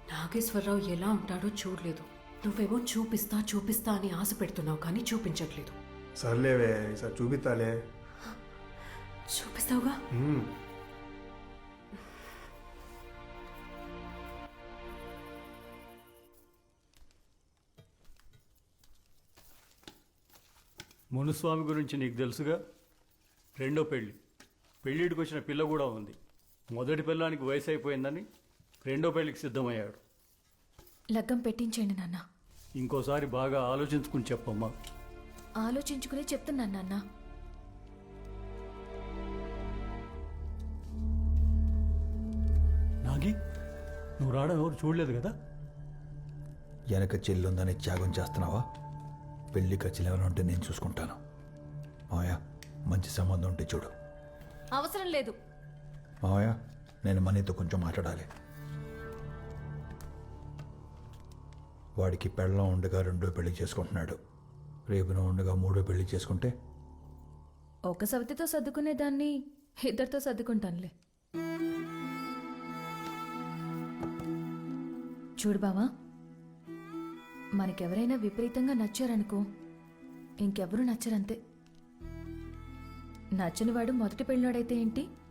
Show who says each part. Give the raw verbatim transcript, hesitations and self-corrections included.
Speaker 1: నాగేశ్వరరావు ఎలా ఉంటాడో చూడలేదు. నువ్వేమో చూపిస్తా చూపిస్తా అని ఆశ పెడుతున్నావు కానీ చూపించట్లేదు.
Speaker 2: సర్లేవే ఈసారి చూపిస్తాలే.
Speaker 1: చూపిస్తావుగా?
Speaker 2: మ్మ్.
Speaker 3: మునుస్వామి గురించి నీకు తెలుసుగా. రెండో పెళ్ళి, పెళ్ళిడికి వచ్చిన పిల్ల కూడా ఉంది. మొదటి పిల్లానికి వయసు అయిపోయిందని రెండో పెళ్ళికి సిద్ధమయ్యాడు.
Speaker 4: లగ్గం పెట్టించండి నాన్న.
Speaker 3: ఇంకోసారి బాగా ఆలోచించుకుని చెప్పమ్మా.
Speaker 4: ఆలోచించుకునే చెప్తున్నాను నాన్న.
Speaker 3: నాగి, నువ్వు రావడం ఎవరు చూడలేదు కదా?
Speaker 5: వెనక చెల్లుందని త్యాగం చేస్తున్నావా? పెళ్లి ఖర్చులు ఏమైనా ఉంటే నేను చూసుకుంటాను. మావయ్య, మంచి సంబంధం ఉంటే చూడు.
Speaker 4: అవసరం లేదు
Speaker 5: మావయ్య, నేను మనీతో కొంచెం మాట్లాడాలి. వాడికి పెళ్ళం ఉండగా రెండో పెళ్లి చేసుకుంటున్నాడు. రేపు నువ్వు ఉండగా మూడో పెళ్లి చేసుకుంటే
Speaker 4: ఒక సవతితో సర్దుకునేదాన్ని ఇద్దరితో సర్దుకుంటానులే. చూడు బావా, మనకెవరైనా విపరీతంగా నచ్చారనుకో ఇంకెవరూ నచ్చరంతే. నచ్చని వాడు మొదటి పెళ్ళినాడైతే ఏంటి,